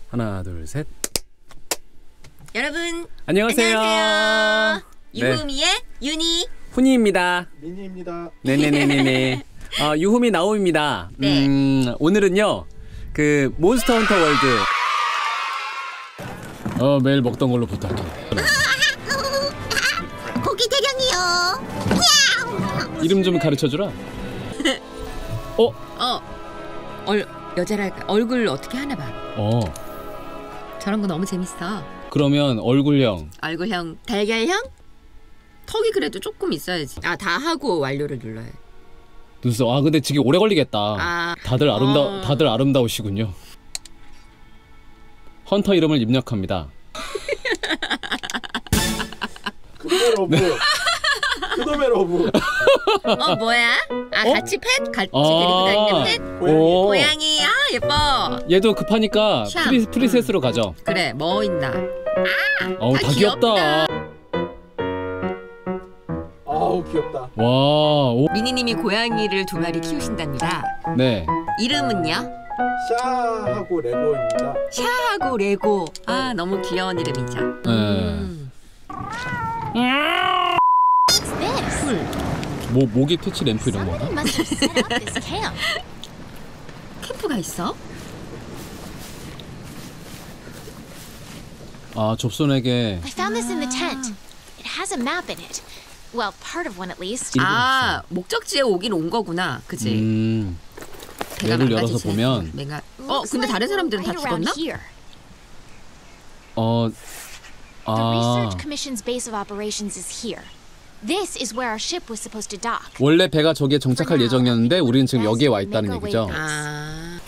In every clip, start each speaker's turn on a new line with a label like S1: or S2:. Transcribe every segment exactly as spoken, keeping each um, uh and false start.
S1: 하나, 둘, 셋.
S2: 여러분
S1: 안녕하세요.
S2: 안녕하세요.
S1: 네.
S2: 유후미의 윤희
S1: 훈이입니다.
S3: 민희입니다.
S1: 네네네네네. 어, 유후미 나오입니다.
S2: 네.
S1: 음, 오늘은요 그 몬스터 헌터 월드. 어 매일 먹던 걸로 부탁해.
S2: 고기 대령이요.
S1: 이름 좀 가르쳐주라. 어?
S2: 어, 얼 여자랄까 얼굴 어떻게 하나 봐.
S1: 어.
S2: 저런 거 너무 재밌어.
S1: 그러면 얼굴형.
S2: 얼굴형, 달걀형, 턱이 그래도 조금 있어야지. 아, 다 하고 완료를 눌러야 돼.
S1: 눈썹. 아 근데 되게 오래 걸리겠다.
S2: 아.
S1: 다들 아름다
S2: 어.
S1: 다들 아름다우시군요. 헌터 이름을 입력합니다.
S3: 그놈의 러브. 그놈의 러브.
S2: 어, 뭐야? 아,
S1: 어?
S2: 같이 펫? 같이
S1: 아.
S2: 데리고 다니는 펫?
S1: 오.
S2: 고양이. 아, 예뻐.
S1: 얘도 급하니까
S2: 샴.
S1: 프리, 프리셋으로 가죠.
S2: 그래, 뭐 있나?
S1: 어우
S2: 아,
S1: 다 귀엽다.
S3: 아우 귀엽다.
S1: 와. 오.
S2: 미니님이 고양이를 두 마리 키우신답니다.
S1: 네.
S2: 이름은요?
S3: 샤하고 레고입니다.
S2: 샤하고 레고. 아, 너무 귀여운 이름이죠.
S1: 네.
S2: 음. 쿨.
S1: 뭐 모기 퇴치 램프 이런 건가?
S2: 캠프가 있어?
S1: 아 접선에게.
S4: I found this in the tent. It has a map in it. Well, part of one at least.
S2: 아, 목적지에 오긴 온 거구나. 그치?
S1: 음.
S2: 배가
S1: 맵을 열어서
S2: 망가지지
S1: 보면
S2: 않고. 내가 어,
S4: Looks
S2: 근데
S4: like
S2: 다른 사람들은 다
S4: right around
S2: 죽었나?
S4: here.
S1: 어.
S4: The
S1: 아.
S4: Research Commission's base of operations is here. This is where our ship was supposed to dock.
S1: 원래 배가 저기에 정착할 예정이었는데 우리는 지금 여기에 와 있다는 얘기죠.
S2: 아.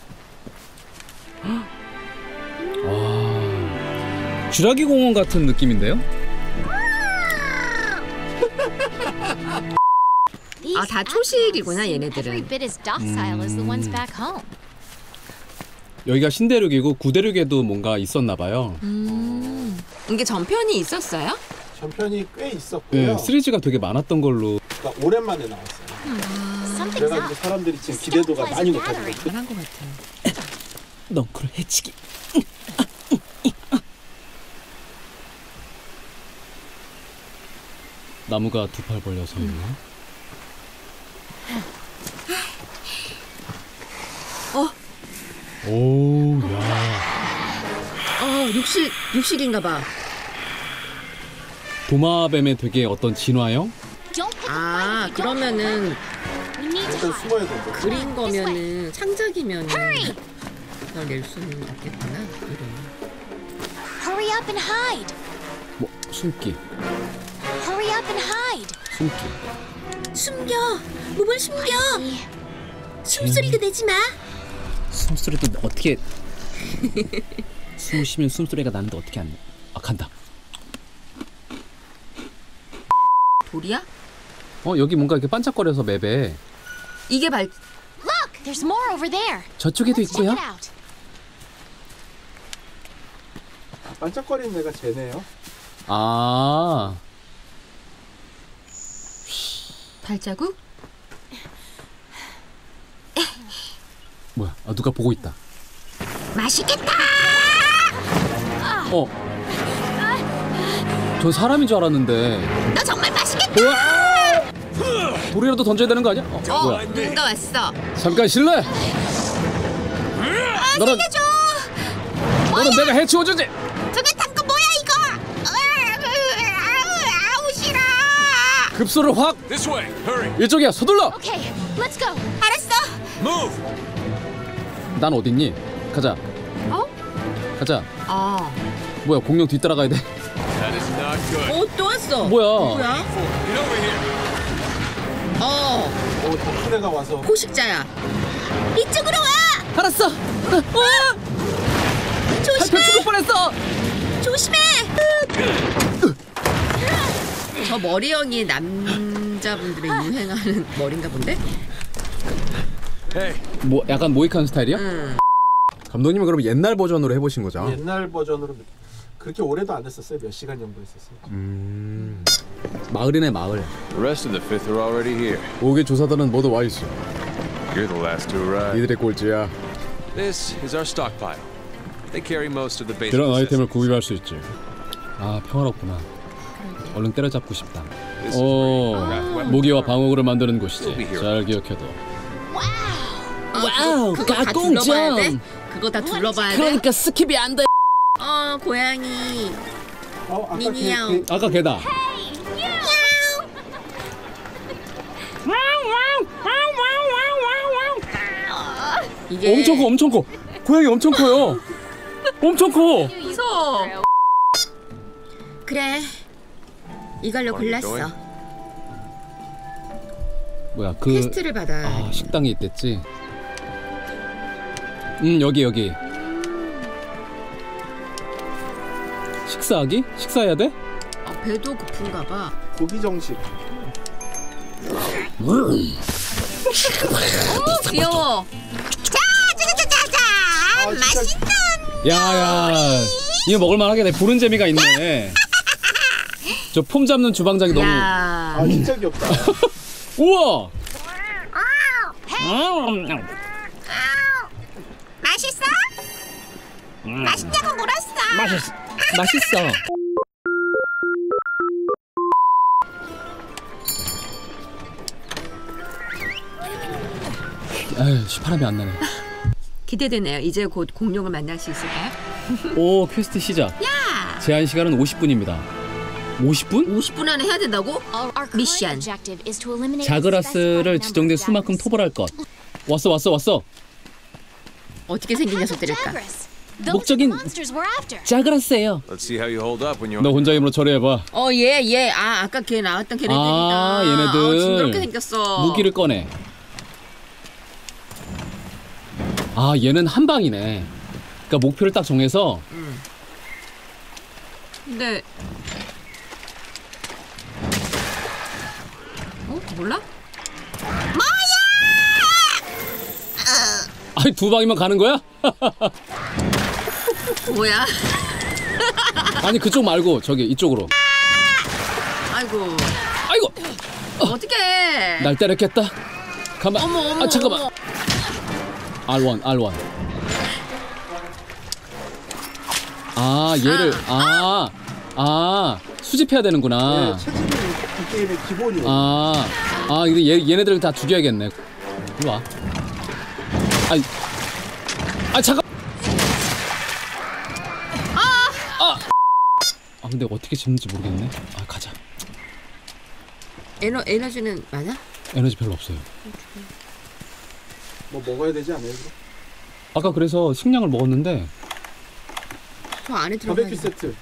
S1: 와. 쥐라기 공원 같은 느낌인데요?
S4: These
S2: 아, 다
S4: animals
S2: 초식이구나,
S4: seem
S2: 얘네들은.
S4: Every bit as docile as the ones back home.
S1: 여기가 신대륙이고 구대륙에도 뭔가 있었나 봐요.
S2: 음. 이게 전편이 있었어요?
S3: 전편이 꽤 있었고요.
S1: 네, 시리즈가 되게 많았던 걸로.
S3: 그러니까 오랜만에 나왔어요.
S4: Something's
S3: 그래가지고
S4: up.
S3: 사람들이 지금 기대도가 많이 높아지고
S2: 잘한 것 같아.
S1: 넝크를 해치기. 나무가 두 팔 벌려서 있네.
S2: 어,
S1: 오, 야.
S2: 어, 육식 육식인가 봐.
S1: 도마뱀의 되게 어떤 진화형?
S4: Don't pick a
S2: 아,
S4: fight if you don't
S2: 그러면은
S4: have We need to
S3: 일단
S4: hide.
S3: 숨어야 된다.
S2: 그린 거면은 창작이면은
S4: Hurry!
S2: 그걸 낼 수는 없겠구나. 이름.
S4: Hurry up and hide.
S1: 뭐 숨기,
S4: Hurry up and hide.
S1: 숨기.
S2: 숨겨. 몸을 숨겨.
S4: 이
S2: 숨소리도 내지 마.
S1: 숨소리도 어떻게? 숨을 쉬면 숨소리가 나는데 어떻게 안 나? 아 간다.
S2: 돌이야?
S1: 어 여기 뭔가 이렇게 반짝거려서 맵에
S2: 이게 발
S4: Look, there's more over there.
S1: 저쪽에도
S4: Let's check
S1: 있고요.
S4: it out.
S3: 반짝거리는 애가 쟤네요.
S1: 아
S2: 발자국?
S1: 뭐야? 아 누가 보고 있다.
S2: 맛있겠다.
S1: 어. 전 사람인 줄 알았는데.
S2: 너 정말 맛있겠다.
S1: 우와! 돌이라도 던져야 되는 거 아니야? 어,
S2: 어,
S1: 뭐야?
S2: 누군가 왔어.
S1: 잠깐 실례. 너는
S2: 살려줘.
S1: 너는 내가 해치워주지.
S2: 저게 딴거 뭐야 이거? 아우, 아우 싫어.
S1: 급소를 확.
S5: This way. Hurry.
S1: 이쪽이야. 서둘러.
S4: Okay, let's go.
S2: 알았어.
S5: Move.
S1: 난 어딨니? 가자.
S2: 어?
S1: 가자.
S2: 아.
S1: 뭐야? 공룡 뒤따라가야 돼.
S5: That is not good.
S2: 어, 또 왔어.
S1: 뭐야?
S2: 뭐야?
S5: Get over here.
S2: 어,
S3: 오, 더 큰 애가 와서
S2: 포식자야. 이쪽으로 와.
S1: 알았어. 와!
S2: 조심해.
S1: 발표 죽을 뻔했어.
S2: 조심해. 저 머리형이 남자분들의 유행하는 머리인가 본데?
S5: Hey.
S1: 뭐 약간 모이칸 스타일이야?
S2: 응.
S6: 감독님은 그럼 옛날 버전으로 해보신 거죠?
S3: 옛날 버전으로 그렇게 오래도 안 했었어요. 몇 시간 정도 했었어요.
S6: 음...
S1: 마을이네 마을.
S5: The rest of the fifth are already here.
S6: 오개 조사단은 모두 와 있어.
S5: You're the last to arrive.
S6: 니들의 꼴찌야.
S5: This is our stockpile. They carry most of the basic
S6: 그런 아이템을
S5: necessities.
S6: 구입할 수 있지.
S1: 아 평화롭구나. 얼른 때려잡고 싶다.
S5: This is
S1: 오,
S5: where you craft weapons.
S1: 무기와 방어구를 만드는 곳이지.
S5: We'll be here.
S1: 잘 기억해둬.
S2: 와우, 그거 다 둘러봐야 돼? 그거 다 둘러봐야 돼?
S1: 그러니까 스킵이 안 돼.
S2: 어, 고양이.
S3: 어, 아까
S2: 미니야옹.
S3: 그, 그
S1: 아까 걔다.
S2: 이게
S1: 엄청 커, 엄청 커. 고양이 엄청 커요. 엄청 커.
S2: 무서워. 그래. 이걸로 골랐어.
S1: 뭐야 그
S2: 퀘스트를 받아.
S1: 아, 식당에 있댔지. 음 여기 여기. 식사하기? 식사해야 돼?
S2: 아, 배도 고픈가 봐.
S3: 고기 정식.
S2: 오, 귀여워.
S3: 아, 맛있다.
S1: 야야 이거 먹을만하게 내 부른 재미가 있네. 저 폼 잡는 주방장이 너무.
S2: 야.
S3: 아 진짜 귀엽다.
S1: 우와.
S4: 맛있어? 맛있냐고 물었어.
S1: 맛있 맛있어. 아유 시파람이 안 나네.
S2: 기대되네요. 이제 곧 공룡을 만날 수 있을까요?
S1: 오 퀘스트 시작.
S2: 야.
S1: 제한 시간은 오십 분입니다. 오십 분?
S2: 오십 분 안에 해야 된다고?
S4: Our current
S2: 미션.
S4: objective is to eliminate
S1: 자그라스를
S4: a specified
S1: 지정된
S4: number of
S1: 수만큼
S4: dragons.
S1: 토벌할 것. 왔어 왔어 왔어.
S2: 어떻게 생긴 녀석들일까?
S4: Jagras. Those are
S1: 목적인-
S4: the monsters we're after.
S1: 자그라스예요.
S5: Let's see how you hold up when you're.
S1: 너 혼자 힘으로 처리해봐.
S2: 어, 얘, 얘. 아, 아까 걔 나왔던 걔네들이다.
S1: 아, 얘네들.
S2: 어, 징그럽게 생겼어.
S1: 무기를 꺼내. 아 얘는 한 방이네. 그러니까 목표를 딱 정해서.
S2: 근데 어? 몰라?
S1: 아니 두 방이면 가는 거야?
S2: 뭐야?
S1: 아니 그쪽 말고 저기 이쪽으로.
S2: 아이고.
S1: 아이고
S2: 어떡해.
S1: 날 때렸겠다. 가만.
S2: 어머, 어머,
S1: 아 잠깐만.
S2: 어머.
S1: 알 원 알 원. 아 얘를 아 아 수집해야 되는구나.
S3: 네, 체질이 이 게임의 기본이에요.
S1: 아, 아, 이거 얘, 얘네들을 다 죽여야겠네. 이리 와. 아이, 아, 잠깐! 아! 아, 근데 어떻게 짓는지 모르겠네. 아, 가자.
S2: 에너, 에너지는 많아?
S1: 에너지 별로 없어요.
S3: 뭐 먹어야 되지 않아요? 그럼?
S1: 아까 그래서 식량을 먹었는데,
S2: 저 안에 들어가.
S3: 바베큐 세트.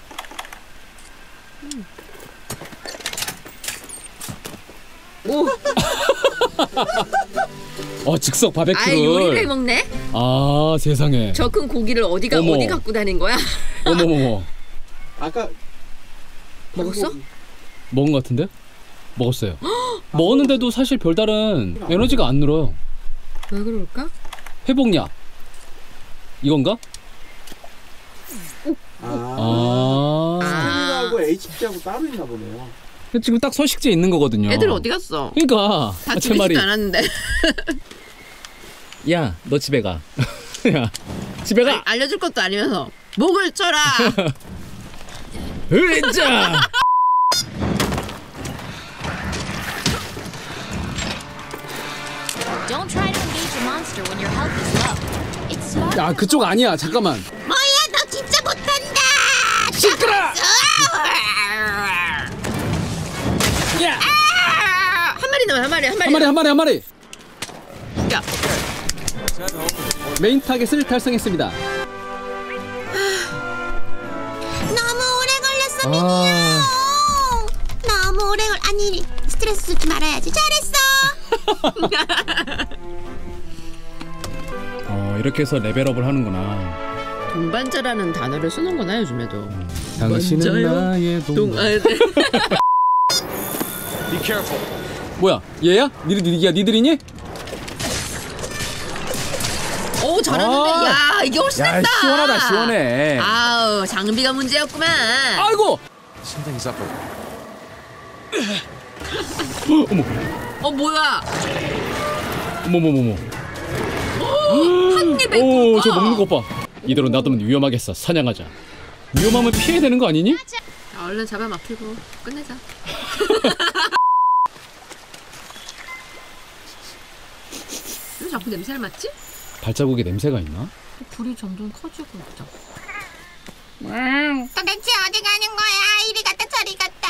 S2: 오,
S1: 어, 즉석
S2: 아예 요리를
S1: 바베큐를.
S2: 해 먹네?
S1: 아, 세상에.
S2: 저 큰 고기를 어디가
S1: 어머.
S2: 어디 갖고 다닌 거야?
S1: 어머머머.
S3: 아까
S2: 먹었어?
S3: 한국-
S1: 먹은 것 같은데? 먹었어요. 먹었는데도 사실 별다른 에너지가 안 늘어요.
S2: 왜 그럴까?
S1: 회복약. 이건가?
S3: 아,
S1: 아.
S3: 스태미나하고 에이치피하고 따로 있나 보네요.
S1: 지금 딱 서식지에 있는 거거든요.
S2: 애들 어디 갔어?
S1: 그러니까
S2: 다
S1: 아, 제 말이.
S2: 죽이지도 않았는데.
S1: 야, 너 집에 가. 야, 집에 가.
S2: 알려줄 것도 아니면서 목을 쳐라.
S1: 으자.
S4: Don't try to engage a monster when your health is low. It's smart.
S1: 야, 그쪽 아니야. 잠깐만.
S2: 뭐야, 너 진짜 못한다.
S1: 시끄러. 야,
S2: 한 마리 남아, 한 마리, 한 마리.
S1: 한 마리, 한 마리, 한 마리.
S2: 야,
S1: 메인 타겟을 달성했습니다.
S7: 너무 오래 걸렸어.
S1: 아,
S7: 너무 오래 걸 아니 스트레스 주지 말아야지. 잘했어.
S1: 어, 이렇게 해서 레벨업을 하는구나.
S2: 동반자라는 단어를 쓰는구나 요즘에도.
S1: 당신은
S2: 먼저요?
S1: 나의
S2: 동,
S1: 동.
S2: 아, 네.
S5: Be careful.
S1: 뭐야? 얘야? 니들 니야 니들이니?
S2: 오, 잘하는데.
S1: 아.
S2: 야, 이게 훨씬
S1: 야,
S2: 낫다.
S1: 시원하다, 시원해.
S2: 아우, 장비가 문제였구만.
S1: 아이고.
S5: Something's up.
S1: 어머,
S2: 어, 뭐야?
S1: 어머, 어머, 어머.
S2: 한 입에
S1: 오,
S2: 굵어.
S1: 저 먹는 것 봐. 이대로 놔두면 위험하겠어. 사냥하자. 위험하면 피해야 되는 거 아니니?
S2: 자, 얼른 잡아먹히고 끝내자. 왜 자꾸 냄새를 맡지?
S1: 발자국에 냄새가 있나?
S2: 불이 점점 커지고 있죠.
S7: 도대체 어디 가는 거야? 이리 갔다 저리 갔다.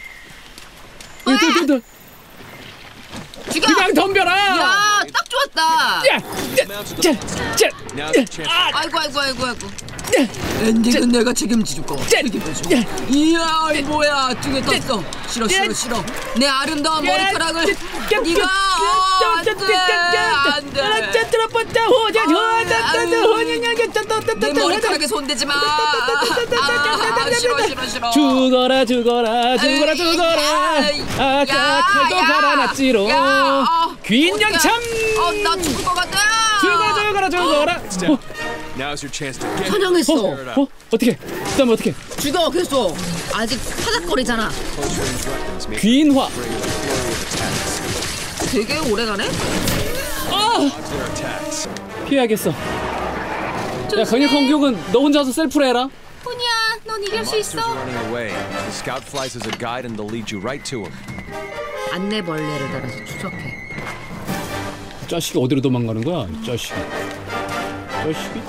S1: 으들으들.
S2: 죽여!
S1: 그냥 덤벼라.
S2: 야, 딱 좋았다.
S1: 야, 자, 자,
S5: Now's your chance.
S2: 아이고 아이고 아이고 아이고. 엔딩은 내가 책임질 거. 책임져. 이야, 이 뭐야? 등에 떴어. 싫어 싫어 싫어. 내 아름다운 머리카락을 네가 안돼 안돼. 내 머리카락에 손대지 마. 아, 싫어 싫어 싫어.
S1: 죽어라 죽어라 죽어라 죽어라. 아까 칼도 갈아놨지로. 귀인 양참.
S2: 어, 나 죽을 것 같다.
S1: 죽어 죽어라 죽어라.
S5: Step. Now's your chance to get.
S2: 사냥했어.
S1: 어? 어떻게? 그다음에 어떻게?
S2: 죽어 그랬어. 아직 파닥거리잖아.
S5: Close range weapons may
S1: 귀인화.
S5: bring a flurry of attacks.
S2: 되게 오래가네.
S5: Dodge their attacks.
S1: 피해야겠어. 야, 강력 공격은 너 혼자서 셀프로 해라.
S7: 훈이야, 넌 이길 수
S5: Monsters
S7: 있어.
S5: are running away. The scout flies as a guide and they'll lead you right to him.
S2: 안내벌레를 달아서 추적해.
S1: 이 자식이 어디로 도망가는 거야? 이 자식이. 자식이?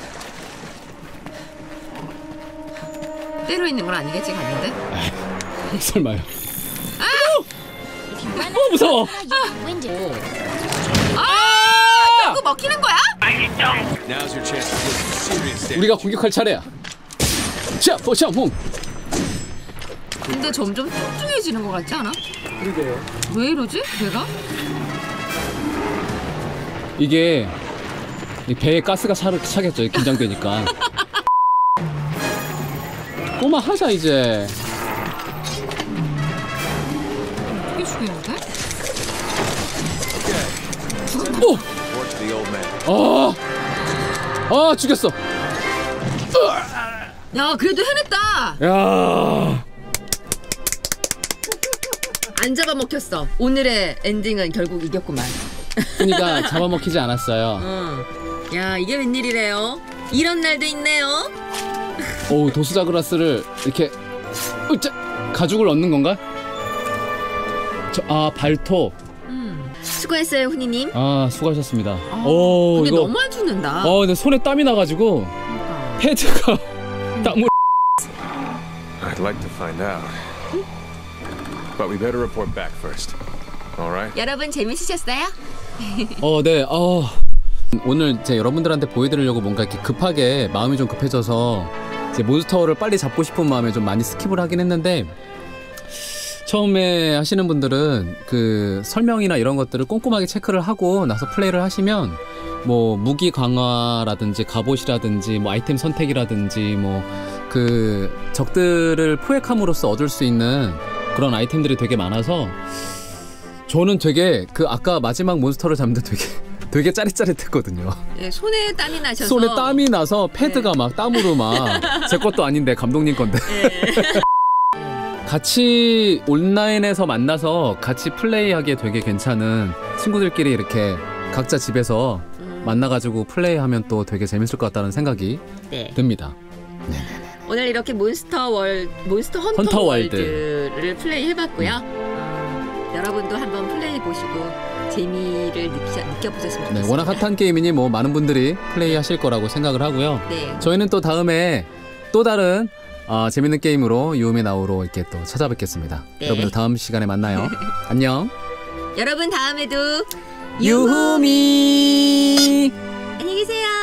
S2: 때려 있는 건 아니겠지 갔는데?
S1: 설마요.
S4: If you run
S1: 어, 무서워.
S4: out, you get winded.
S2: 아! 그거 먹히는 거야?
S5: Now's your chance to deal some serious damage.
S1: 우리가 공격할 차례야. 자, 포샤몽.
S2: 근데 점점 뚱뚱해지는 것 같지 않아?
S3: 그러게요.
S2: 왜 이러지? 배가?
S1: 이게 이 배에 가스가 차, 차겠죠. 긴장되니까. 꼬마 하자 이제.
S2: 어떻게 죽이는데?
S1: 오!
S5: Report to the old man.
S1: 아, 아 죽였어.
S2: 야 그래도 해냈다.
S1: 야,
S2: 안 잡아먹혔어. 오늘의 엔딩은 결국 이겼구만.
S1: 그러니까 잡아먹히지 않았어요.
S2: 어. 야 이게 웬일이래요? 이런 날도 있네요.
S1: 오, 도수자그라스를 이렇게 으짜, 가죽을 얻는 건가? 저, 아 발톱.
S2: 수고했어요 훈이님.
S1: 아 수고하셨습니다. 오
S2: 근데
S1: 이거.
S2: 너무 안 죽는다.
S1: 어 근데 손에 땀이 나가지고
S2: 그러니까.
S1: 헤드가 땀을.
S5: I'd like to find out. But we better report back first. All right?
S2: 여러분 재밌으셨어요?
S1: 어, 네. 어. 오늘 이제 여러분들한테 보여드리려고 뭔가 이렇게 급하게 마음이 좀 급해져서 이제 몬스터를 빨리 잡고 싶은 마음에 좀 많이 스킵을 하긴 했는데, 처음에 하시는 분들은 그 설명이나 이런 것들을 꼼꼼하게 체크를 하고 나서 플레이를 하시면 뭐 무기 강화라든지 갑옷이라든지 뭐 아이템 선택이라든지 뭐 그 적들을 포획함으로써 얻을 수 있는 그런 아이템들이 되게 많아서 저는 되게 그 아까 마지막 몬스터를 잡는데 되게 되게 짜릿짜릿했거든요.
S2: 네, 손에 땀이 나셔서.
S1: 손에 땀이 나서 패드가
S2: 네.
S1: 막 땀으로 막 제 것도 아닌데 감독님 건데. 같이 온라인에서 만나서 같이 플레이하기에 되게 괜찮은, 친구들끼리 이렇게 각자 집에서
S2: 음.
S1: 만나가지고 플레이하면 또 되게 재밌을 것 같다는 생각이
S2: 네.
S1: 듭니다.
S2: 오늘 이렇게 몬스터 월 몬스터 헌터,
S1: 헌터 월드.
S2: 월드를 플레이 해봤고요. 어, 여러분도 한번 플레이 보시고 재미를 느끼, 느껴보셨으면 좋겠습니다.
S1: 네, 워낙 핫한 게임이니 뭐 많은 분들이 플레이하실 거라고 생각을 하고요.
S2: 네.
S1: 저희는 또 다음에 또 다른 어, 재밌는 게임으로 유음의 나우로 이렇게 또 찾아뵙겠습니다.
S2: 네.
S1: 여러분들 다음 시간에 만나요. 안녕.
S2: 여러분 다음에도
S1: 유후미.
S2: 안녕히 계세요.